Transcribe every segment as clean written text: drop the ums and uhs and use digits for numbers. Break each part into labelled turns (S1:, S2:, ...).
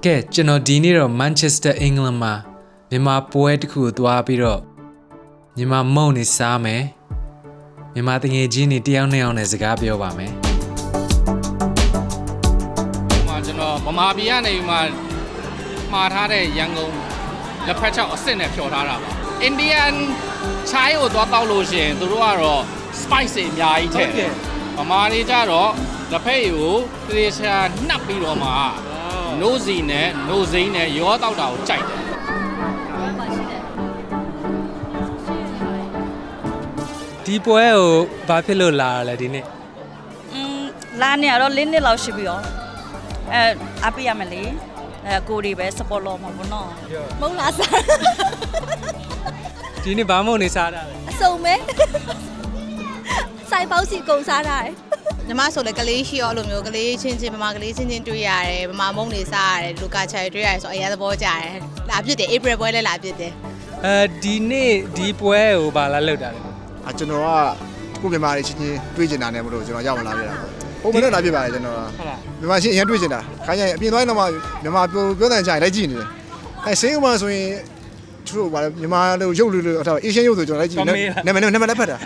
S1: ကဲကျွန်တော်ဒီနေ့တော့ Manchester England မှာမြန်မာပွဲတစ်ခုကိုသွားပြီးတော့မြန်မာမုံနေစားမယ်မြန်မာတငယ်ချင်းတွေတယောက်နဲ့အောင်နဲ့စကားပြောပါမယ်
S2: ကျွန်တော်ဗမာပြည်ကနေမှမှားထားတဲ့ရန်ကုန်လက်ဖက်ချောက်အစ်စ်နဲ့ဖြော်ထားတာပါ Indian chai ကိုသွားတောက်လို့ရှိရင်သူတို့ကတော့ spice တွေအများကြီးထည့်တယ်ဗမာတွေကြတော့လက်ဖက်ရည်ကိုတေချာနှပ်ပြီးတော့မှနိုးစီနဲ့နိုးစိမ့်နဲ့ရောတောက်တာကိုကြိုက်တယ်
S1: ဒီပွဲကိုဘာဖြစ်လို့လာရလဲဒီနေ့
S3: လာနေရတော့၄နှစ်လောက်ရှိပြီရောအပေးရမယ်လေကိုတွေပဲ support လုပ်မှာပေါ့နော်မုံလာစား
S1: ဒီနေ့ဘာမုံနေစားတာလဲ
S3: အစုံပဲစိုက်ပေါက်စီကုန်စားတာ
S4: ညီမဆိုလည်းကလေးရှိရောအဲ့လိုမျိုးကလေးချင်းချင်းဗမာကလေးချင်းချင်းတွေ့ရတယ်ဗမာမုံနေစားရတယ်လူကချာတွေ့ရတယ်ဆိုအရင်သဘောကျတယ်လာပြစ်တယ် April ပွဲလည်းလာပြစ်တယ်
S1: ဒီနေ့ဒီပွဲကိုဘာလာလောက်တာလဲ
S5: ကျွန်တော်ကကိုမြန်မာတွေချင်းချင်းတွေ့ကျင်တာနဲ့မလို့ကျွန်တော်ရောက်လာခဲ့တာပေါ့ပုံမှန်တော့လာပြပါတယ်ကျွန်တော်ကမြန်မာချင်းအရင်တွေ့ကျင်တာခိုင်းရင်အပြင်သွားရင်တော့မြန်မာပြောတဲ့ကြားလိုက်ကြည့်နေတယ်ဆေးဥမာဆိုရင်သူတို့ဗာမြန်မာလိုရုပ်လိုအဲ့အေရှန်ရုပ်ဆိုကျွန်တော်လိုက်ကြည့်နာမည်လည်းဖတ်တာ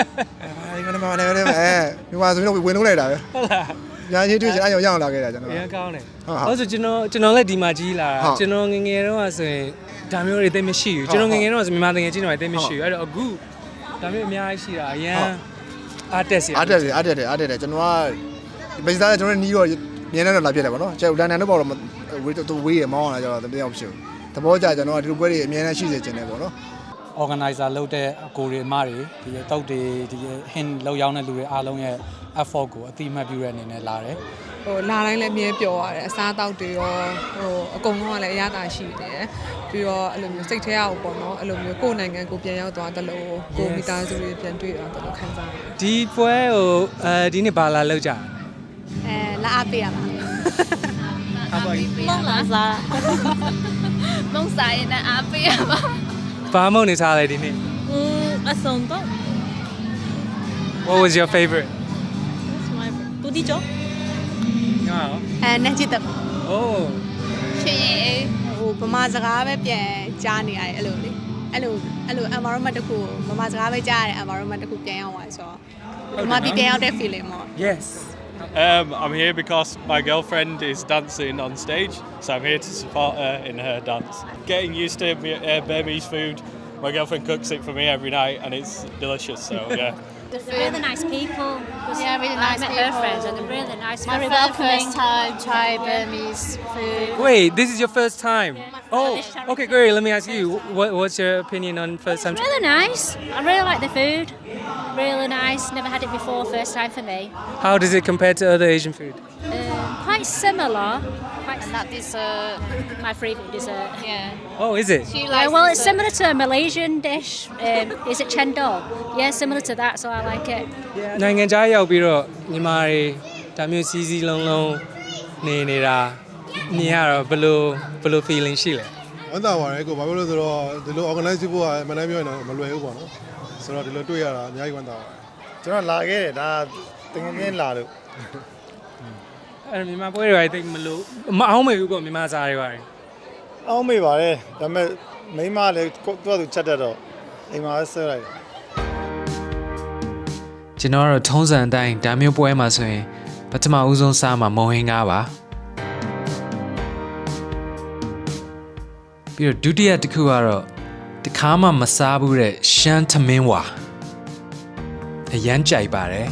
S5: မြန်မာဆိုရင်တော့ဝင်လုံးလိုက်တာပဲ
S1: ဟုတ်လား
S5: ညာချင်းတွေ့ချင်အဲ့ရောက်လာခဲ့တာကျွန်တော်
S1: အရင်ကောင်းတယ်ဟုတ်ဆိုကျွန်တော်လည်းဒီမှာကြီးလာတာကျွန်တော်ငငယ်တော့ဆိုရင်ဒါမျိုးတွေသိမရှိဘူးကျွန်တော်ငငယ်တော့ဆိုမြန်မာတငယ်ချင်းတွေသိမရှိဘူးအဲ့တော့အခုဒါမျိုးအများကြီးရှိတာအရင်အားတက်တယ်
S5: ကျွန်တော်ကဘယ်စားကျွန်တော်နီးတော့မြင်းနဲ့တော့လာပြတယ်ဗောနော်ကျန်လန်ဒန်တော့ပေါ့တော့ဝေးရမောင်းလာကြတော့တယောက်ဖြစ်ဘူးသဘောကျကျွန်တော်ကဒီလိုပွဲတွေအများနဲ့ရှိစေချင်တယ်ဗောနော်
S1: organizer လုပ်တဲ့အကိုတွေအမတွေဒီတုတ်တွေဒီ hint လောက်ရောက်တဲ့လူတွေအားလုံးရဲ့ effort ကိုအတိအမှတ်ပြုတဲ့အနေနဲ့လာတယ်
S6: လာတိုင်းလည်းအမြဲပျော်ရတယ်အစားအသောက်တွေရောအကုန်လုံးကလည်းအရသာရှိတယ်ပြီးတော့အဲ့လိုမျိုးစိတ်ထဲအောင်ပေါ့နော်အဲ့လိုမျိုးကိုယ်နိုင်ငံကိုပြန်ရောက်သွားတယ်လို့ကိုမိသားစုတွေပြန်တွေ့တော့တယ်လို့ခံစားရတယ်
S1: ဒီပွဲကိုဒီနေ့ဘာလာလောက်ကြ
S4: လာအပေးရပါ
S3: မုံလာစားမုံစားရင်အပေးရပါ
S1: ဘာမုံနေစားလဲဒီနေ့
S3: အစုံတော့
S1: What was your favorite?
S3: တူတီကျော်
S4: နန်းချစ်တက်
S1: Oh
S4: ရှင်ဗမာစကားပဲပြန်ကြားနေရတယ်အဲ့လိုလေအဲ့လို environment တခုဗမာစကားပဲကြားရတဲ့ environment တခုပြန်ရောက်သွားဆိုတော့ဗမာပြည်ပြန်ရောက်တဲ့ feeling ပေါ့
S1: Yes
S7: I'm here because my girlfriend is dancing on stage, so I'm here to support her in her dance. Getting used to Burmese food. My girlfriend cooks it for me every night, and it's delicious. So yeah.
S8: They're really nice people.
S4: Yeah, really nice
S8: people. I met her friends, and they're really nice.
S4: My
S8: very
S4: welcoming. First time try Burmese food.
S1: Wait, this is your first time? Oh, okay, great. Let me ask you, what's your opinion on first time?
S8: It's really nice. I really like the food. Really nice. Never had it before. First time for me.
S1: How does it compare to other Asian food?
S8: Quite similar.
S4: And that dessert.
S8: My favourite dessert.
S4: Yeah.
S1: Oh, is it?
S8: Well, it's similar to a Malaysian dish. Is it chendol? Yeah, similar to that, so I like it.
S1: နိုင်ငံခြားရောက်ပြီးတော့မြန်မာတွေဒါမျိုးစီစီလုံးလုံးနေတာမြင်ရတော့ဘယ်လို feeling ရှိလဲ
S5: ဝမ်းသာပါတယ်ကိုဘာဖြစ်လို့ဆိုတော့ဒီလို organize ဖို့ကမနိုင်ပြောရင်တော့မလွယ်ဘူးပေါ့နော်ဆိုတော့ဒီလိုတွေ့ရတာအများကြီးဝမ်းသာပါတယ်ကျွန်တော်လာခဲ့တယ်ဒါတကယ်ချင်းလာလို့
S1: အဲ့မြန်မာပွဲတွေတိတ်မလို့မအောင်မေဘူးပေါ့မြန်မာစားတွေပါတယ်
S5: အောင်းမေပါတယ်ဒါပေမဲ့မိမလည်းသူ့ချက်တတ်တော့အိမ်မှာဆွဲလိုက်တယ်
S1: ကျွန်တော်တို့ထုံးစံအတိုင်းဒါမျိုးပွဲမှာဆိုရင်ပထမဦးဆုံးစားမှာမုံဟင်းကားပါပြီးတော့ဒုတိယတစ်ခုကတော့တခါမှမစားဘူးတဲ့ရှမ်းထမင်းဝါအရန်ကြိုက်ပါတယ်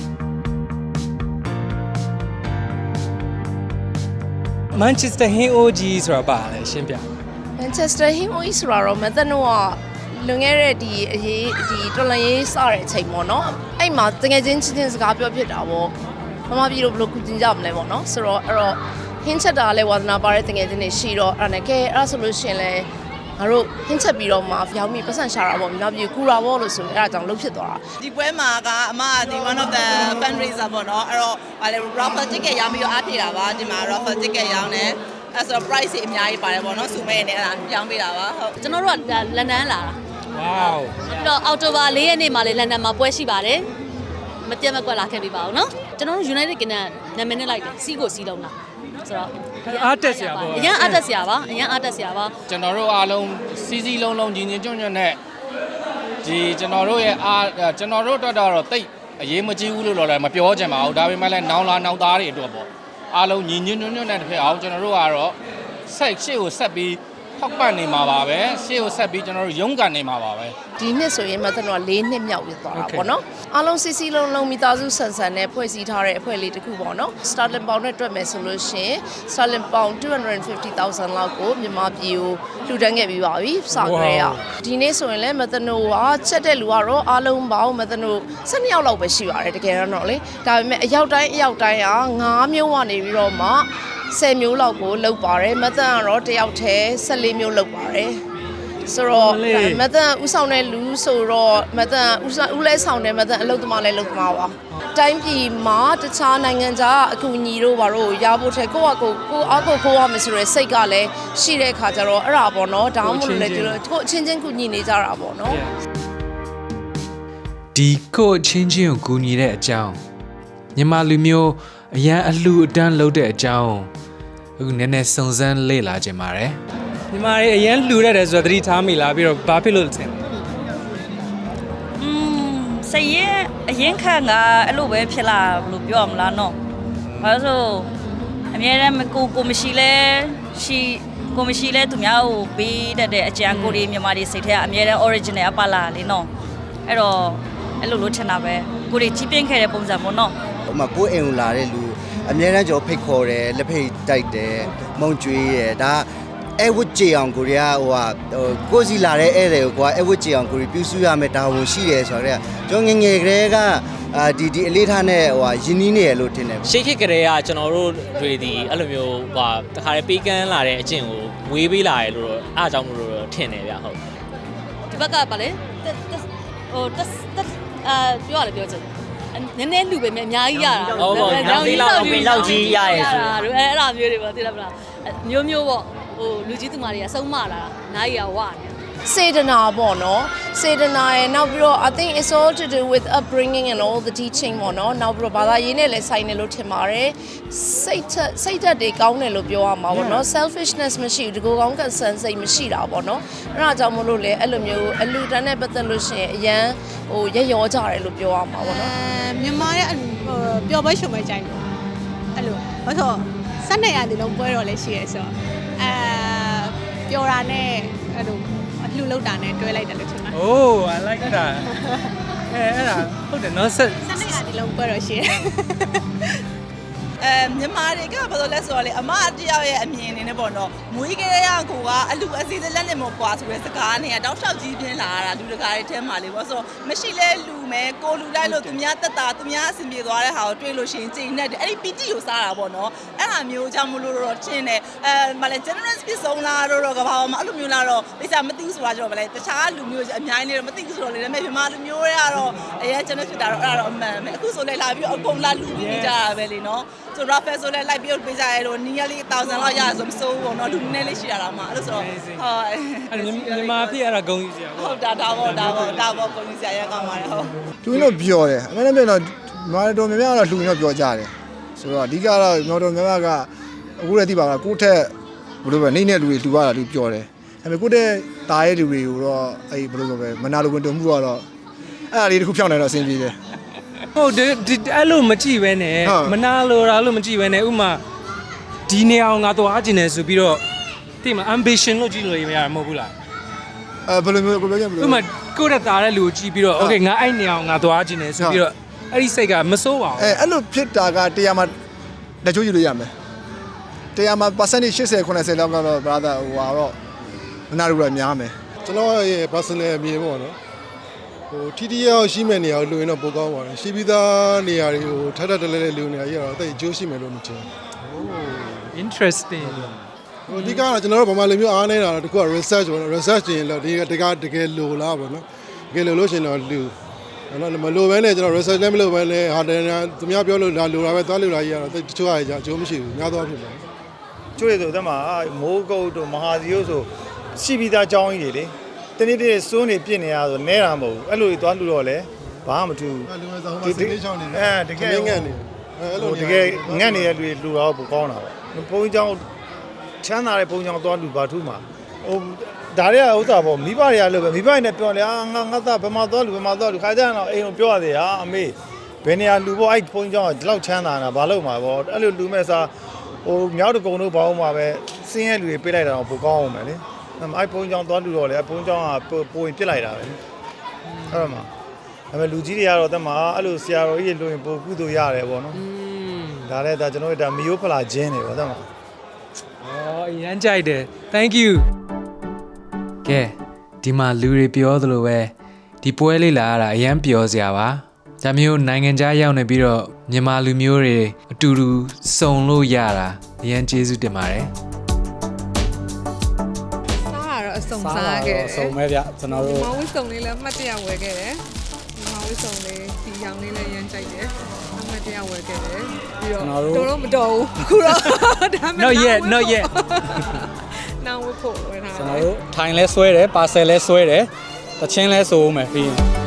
S1: Manchester ဟင်းအိုးကြီးဆိုတာပါလဲရှင်းပြ
S4: Manchester ဟင်းအိုးကြီးဆိုတာတော့မသက်တော့လွန်ခဲ့တဲ့ဒီတော်လန်ရေးစတဲ့အချိန်ပေါ့နော်အဲ့မှာတကယ်ချင်းစကားပြောဖြစ်တာပေါ့မမပြည်လို့ဘယ်လိုကုတင်ကြမလဲပေါ့နော်ဆိုတော့အဲ့တော့ဟင်းချက်တာလည်းဝါသနာပါတဲ့တကယ်ချင်းတွေရှိတော့အဲ့ဒါနဲ့ကဲအဲ့ဆိုလို့ရှိရင်လည်းငါတို့ဟင်းချက်ပြီးတော့မှရောက်ပြီးပတ်စံရှာတာပေါ့မြောက်ပြည်ကူတာပေါ့လို့ဆိုရင်အဲ့ဒါကြောင့်လှုပ်ဖြစ်သွားတာ
S9: ဒီပွဲမှာကအမဒီ one of the fundraiser ပေါ့နော်အဲ့တော့ဗာလေ raffle ticket ရောင်းပြီးတော့အားဖြည့်တာပါဒီမှာ raffle ticket ရောင်းတယ်အဲ့ဆိုတော့ price တွေအများကြီးပါတယ်ပေါ့နော်စုမဲနဲ့အဲ့ဒါရောင်းပေးတာပါဟုတ်
S3: ကျွန်တော်တို့ကလန်ဒန်လာတာ
S1: Wow
S3: ပြီးတော့အောက်တိုဘာ4ရက်နေ့မှာလေလန်ဒန်မှာပွဲရှိပါတယ်မပြတ်မကွက်လာခဲ့ပြီပါအောင်နော်ကျွန်တော်တို့ United Kingdom နာမည်နဲ့လိုက်တယ်စီးကိုစီးလုံးလားဆိုတော့
S1: အားတက်စရာပေါ့
S3: အရင်အားတက်စရာပါအရင်အားတက်စရာပါ
S2: ကျွန်တော်တို့အားလုံးစီစီလုံးလုံးညီညီညွတ်ညွတ်နဲ့ဒီကျွန်တော်တို့ရဲ့ကျွန်တော်တို့အတွက်တော့တိတ်အရေးမကြီးဘူးလို့တော့လည်းမပြောချင်ပါဘူးဒါပေမဲ့လည်းနောင်လာနောင်သားတွေအတွက်ပေါ့အားလုံးညီညွတ်ညွတ်နဲ့တစ်ဖက်အောင်ကျွန်တော်တို့ကတော့ရှေ့ကိုဆက်ပြီးထောက်ပံ့နေမှာပါပဲရှေ့ကိုဆက်ပြီးကျွန်တော်တို့ရုန်းကန်နေမှာပါပဲ
S4: ဒီနှစ်ဆိုရင်မသက်တော့4နှစ်မြောက်ပြသွားတာပေါ့နော်အားလုံးစီစီလုံးလုံးမိသားစုဆန်ဆန်နဲ့ဖွဲ့စည်းထားတဲ့အဖွဲ့လေးတစ်ခုပေါ့နော် Starling Pound နဲ့တွက်မယ်ဆိုလို့ရှိရင် Starling Pound 250,000 လောက်ကိုမြန်မာပြည်ကိုလှူဒန်းခဲ့ပြီးပါပြီစကြဲရဒီနေ့ဆိုရင်လည်းမသက်နိုကချက်တဲ့လူကတော့အားလုံးပေါင်းမသက်နို12ယောက်လောက်ပဲရှိပါတယ်တကယ်တော့လေဒါပေမဲ့အယောက်တိုင်းက9မျိုးကနေပြီးတော့မှ10မျိုးလောက်ကိုလောက်ပါတယ်မသက်ကတော့တယောက်တည်း14မျိုးလောက်ပါတယ်ဆိုတော့မသက်ဥဆောင်တဲ့လူဆိုတော့မသက်ဥလဲဆောင်တယ်မသက်အလုပ်သမားလဲလုပ်သမားပါတိုင်းပြည်မှာတခြားနိုင်ငံခြားအကူအညီတို့ဘာလို့ရဖို့ထဲကိုယ့်အားကိုရမယ်ဆိုရယ်စိတ်ကလည်းရှိတဲ့ခါကျတော့အဲ့ဒါပေါ့နော်ဒါမှမဟုတ်လေဒီလိုကိုအချင်းချင်းကူညီနေကြတာပေါ့နော်
S1: ဒီကိုချင်းချင်းကိုကူညီတဲ့အကြောင်းမြန်မာလူမျိုးအရန်အလှအတန်းလုပ်တဲ့အကြောင်းအခုနည်းနည်းစုံစမ်းလေ့လာကြပါတယ်မြန်မာတွေအရန်လှူရတယ်ဆိုတော့သတိထားမိလားပြီးတော့ဘာဖြစ်လို့လဲ
S3: စိတ်ရဲ့အရင်ခန့်ကအဲ့လိုပဲဖြစ်လာလို့ပြောရမလားနော်ဘာလို့ဆိုအများတမ်းကိုမရှိလဲသူများကိုပေးတတ်တဲ့အကြံကိုတွေမြန်မာတွေစိတ်ထဲကအများတမ်း original အပလာလေနော်အဲ့တော့အဲ့လိုလို့ထင်တာပဲကိုတွေကြီးပြင်းခဲ့တဲ့ပုံစံပေါ့နော်
S10: ဟိုမှာကိုယ်အိမ်ကိုလာတဲ့လူအများအားကျော်ဖိတ်ခေါ်တယ်လက်ဖိတ်တိုက်တယ်မုံကျွေးတယ်ဒါအဲဝတ်ကြအောင်ကိုရီးယားကိုစီလာတဲ့ဧည့်သည်ကိုကွာအဲဝတ်ကြအောင်ကိုရီပြုစုရမယ်ဒါဝန်ရှိတယ်ဆိုတော့ကျွန်တော်ငယ်ကလေးကဒီအလေးထားနဲ့ယဉ်နီးနေရလို့ထင်တယ်
S11: ရှေ့ခေတ်ကလေးကကျွန်တော်တို့တွေဒီအဲ့လိုမျိုးတခါလေပေးကမ်းလာတဲ့အကျင့်ကိုဝေးပေးလာတယ်လို့အားကြောင့်မလို့ထင်တယ်ဗျဟုတ်
S3: ဒီဘက်ကပါလေပြောရလေပြောချင်နည်းနည်းလူပဲအများကြီးရတာ
S11: ဟုတ်ပါဘူးနောက်လောက်ကြီးရရဲဆို
S3: အဲ့ဒါမျိုးတွေပေါ့သိလားမလားမျိုးပေါ့လူကြီးသူမတွေကစုံမလာတာနားကြီးကဝနေ
S4: စေတနာပေါ့နော်စေတနာရဲ့နောက်ပြီးတော့ I think it's all to do with upbringing and all the teaching ပေါ့နော်နောက်ပြီးတော့ဘာသာရေးနဲ့လည်းဆိုင်တယ်လို့ထင်ပါတယ်စိတ်ဓာတ်တွေကောင်းတယ်လို့ပြောရမှာပေါ့နော် selfishness မရှိဘူးဒီကိုကောင်း concern စိတ်မရှိတာပေါ့နော်အဲ့ဒါကြောင့်မလို့လေအဲ့လိုမျိုးအလူတန်းနဲ့ပတ်သက်လို့ရှိရင်အရန်ရက်ရောကြတယ်လို့ပြောရမှာပေါ့နော်
S12: မြန်မာရဲ့ပျော်ပွဲရှုံပွဲကြိုင်ပေါ့အဲ့လိုဘာလို့12ရာသီလုံးပွဲတော်လည်းရှိရဲဆိုတော့ပျော်တာနဲ့အဲ့လိုလှူလောက်တာနဲ့တွဲလိုက်တယ်လို့ထင်ပါတယ်
S1: Oh I like that အဲ့ဒါဟုတ်တယ်နော်
S12: 12ရာသီလုံးပွဲတော်ရှိရဲ
S9: မြန်မာတွေကဘာလို့လဲဆိုတော့လေအမတယောက်ရဲ့အမြင်နေနဲ့ပေါ့နော်မွေးကလေးရကိုကအလူအစီအစဉ်လက်နဲ့မပွားဆိုတဲ့စကားနဲ့တောက်လျှောက်ကြီးပြင်းလာတာလူတကာတွေထဲမှာလေပေါ့ဆိုတော့မရှိလဲလူမဲကိုလူလိုက်လို့သူများတက်တာသူများအဆင်ပြေသွားတဲ့ဟာကိုတွေ့လို့ရှိရင်ချိန်နဲ့အဲ့ဒီပီတိကိုစားတာပေါ့နော်အဲ့ဟာမျိုးကြောင့်မလို့တော့ချင်းတယ်မလဲ generous ပြဆုံးလာတော့ကဘာမှအဲ့လိုမျိုးလာတော့ပိစာမသိဘူးဆိုတာကြောင့်မလဲတခြားလူမျိုးအများကြီးနေတော့မသိဘူးဆိုတော့လေဒါပေမဲ့မြန်မာလူမျိုးတွေကတော့အရင် generous ဖြစ်တာတော့အဲ့ဒါတော့အမှန်ပဲအခုဆိုလဲလာပြီးအကုန်လာလူပြီးနေကြတာပဲလေနော်ဆိုတော့ Rafael ဆိုလဲလိုက်ပြီးပေးကြရဲတော့နီးရလေး1000လောက်ရဆိုမစိုးဘူးပေါ့နော်လူနည်းလေးရှိရတာမှအဲ့လိုဆိုတော့ဟုတ်
S1: အဲ့မြန်မာဖြစ်အဲ့ဒါဂုံကြီးစရာ
S9: ဟုတ်ဒါပေါ့ဂုံကြီးစရာရကောင်းပါတယ်ဟုတ်
S5: သူတို့ပြောတယ်အမှန်တမ်းပြောတော့မာတော်များများတော့လှူတော့ပြောကြတယ်ဆိုတော့အဓိကတော့မာတော်များများကအခုလည်းသိပါကကိုယ့်ထက်ဘယ်လိုပဲနေနဲ့လူတွေလှူရတာလူပြောတယ်ဒါပေမဲ့ကိုယ့်တဲ့တားရဲ့လူတွေကိုတော့အဲ့ဘယ်လိုပဲမနာလိုဝင်တုံမှုကတော့အဲ့ဒါလေးတစ်ခုဖြောင်းနိုင်တော့အဆင်ပြေတယ်
S1: ဟုတ်တယ်အဲ့လိုမကြည့်ပဲနဲ့မနာလိုတာလို့မကြည့်ပဲနဲ့ဥမာဒီနေအောင်ငါသွားကျင်တယ်ဆိုပြီးတော့တိမ ambition လို့ကြည့်လို့ရမှာမဟုတ်ဘူးလား
S5: ဘယ်လိုမျိုးကိုပြောကြမလို့
S1: ဥမာကိုယ့်တားတဲ့လူကိုကြည့်ပြီးတော့ okay ငါအဲ့နေအောင်ငါသွားကျင်တယ်ဆိုပြီးတော့အဲ့ဒီစိတ်ကမစိုးပါဘူး
S5: အဲ့လိုဖြစ်တာကတရားမှာလက်ချိုးယူလို့ရမယ်တရားမှာ percentage 80 90လောက်ကတော့ brother ဟိုတော့မနာလိုတော့များမယ်
S13: ကျွန်တော်ရဲ့ personal အမြင်ပေါ့နော်ဟိုထိတိရောက်ရှိမဲ့နေရာကိုလူရင်တော့ပိုကောင်းပါတယ်ရှိပြီးသားနေရာတွေကိုထပ်ထပ်တလဲလဲလူနေရာကြီးကတော့တိတ်အကျိုးရှိမယ်လို့မထင်ဘူး
S1: Oh interesting
S13: ဟိုဒီကတော့ကျွန်တော်တို့ဗမာလူမျိုးအားနေတာတော့တခုက research ပေါ့နော် research ရင်တော့ဒီတကယ်လိုလားပေါ့နော်တကယ်လိုလို့ရှင်တော့လူမလိုဘဲနဲ့ကျွန်တော် research လည်းမလိုဘဲနဲ့ဟာတယ်သူများပြောလို့လာလိုတာပဲသွားလို့လာကြီးကတော့တချို့ဟာကြီးအကျိုးမရှိဘူးများသောအားဖြင့်ပါ
S14: ကျွေးဆိုတဲ့မှာမိုးကုတ်တို့မဟာစီယိုဆိုရှိပြီးသားအကြောင်းကြီးတွေလေတနေ့တည်းစိုးနေပြစ်နေရဆိုနဲတာမဟုတ်ဘူးအဲ့လိုသွားလို့တော့လေဘာမှမထူး
S13: လူဝဲဆောင်မှာစိတ်လေးချောင်းနေတကယ်
S14: ငတ်နေတကယ်ငတ်နေတဲ့လူတွေလူတော့ပိုကောင်းတာပေါ့ဘုန်းကြီးကျောင်းချမ်းသာတဲ့ဘုန်းကြီးကျောင်းသွားလူပါထူးမှာဟိုဒါတွေကဥစ္စာပေါ့မိဘတွေကလို့ပဲမိဘတွေနဲ့ပြောလေငါသားဘယ်မှာသွားလူခါကြရင်တော့အိမ်ကိုပြောရသေးအမေဘယ်နေရာလူပေါ့အဲ့ဘုန်းကြီးကျောင်းကဒီလောက်ချမ်းသာတာဘာလို့မှာပေါ့အဲ့လိုလူမဲ့စားဟိုမြောက်တကုံတို့ဘာလို့မှာပဲစင်းရဲလူတွေပေးလိုက်တာတော့ပိုကောင်းအောင်မယ်လေအဲ့ဘုန်းကြီးကျောင်းသွားလူတော့လေဘုန်းကြီးကျောင်းကပိုရင်ပြစ်လိုက်တာပဲအဲ့တော့မှဒါပေမဲ့လူကြီးတွေကတော့တက်မှာအဲ့လိုဆရာတော်ကြီးတွေလို့ရင်ပိုကုသိုလ်ရတယ်ပေါ့နော်ဒါလည်းဒါကျွန်တော်တို့ဒါမီယိုဖလာခြင်းတွေပေါ့တက်မှာ
S1: အရန်ကြိုက်တယ် thank you ကဲဒီမှာလူတွေပြောသလိုပဲဒီပွဲလေးလာရတာအရန်ပျော်စရာပါဒါမျိုးနိုင်ငံခြားရောက်နေပြီးတော့မြန်မာလူမျိုးတွေအတူတူစုံလို့ရတာအရန်ကျေးဇူးတင်ပါတယ်
S6: စားတော့အစုံစားခဲ့တယ်
S15: စုံပဲဗျကျွန်တော်တို့
S6: မောင်ဝစ်စုံလေးလည်းအမှတ်တရဝယ်ခဲ့တယ်မောင်ဝစ်စုံလေးဒီရောင်လေးလည်းရမ်းကြိုက်တယ်အမှတ်တရဝယ်ခဲ့တယ်ပြီးတော့မတော်ဘူးခုတော့ဒါမှ
S1: not yet
S6: နောင်ဝဖို့ဝယ်ထားတယ်
S15: ကျွန်တော်တို့ထိုင်လဲဆွဲတယ်ပါဆယ်လဲဆွဲတယ်တချင်းလဲဆိုဦးမယ်ပြီး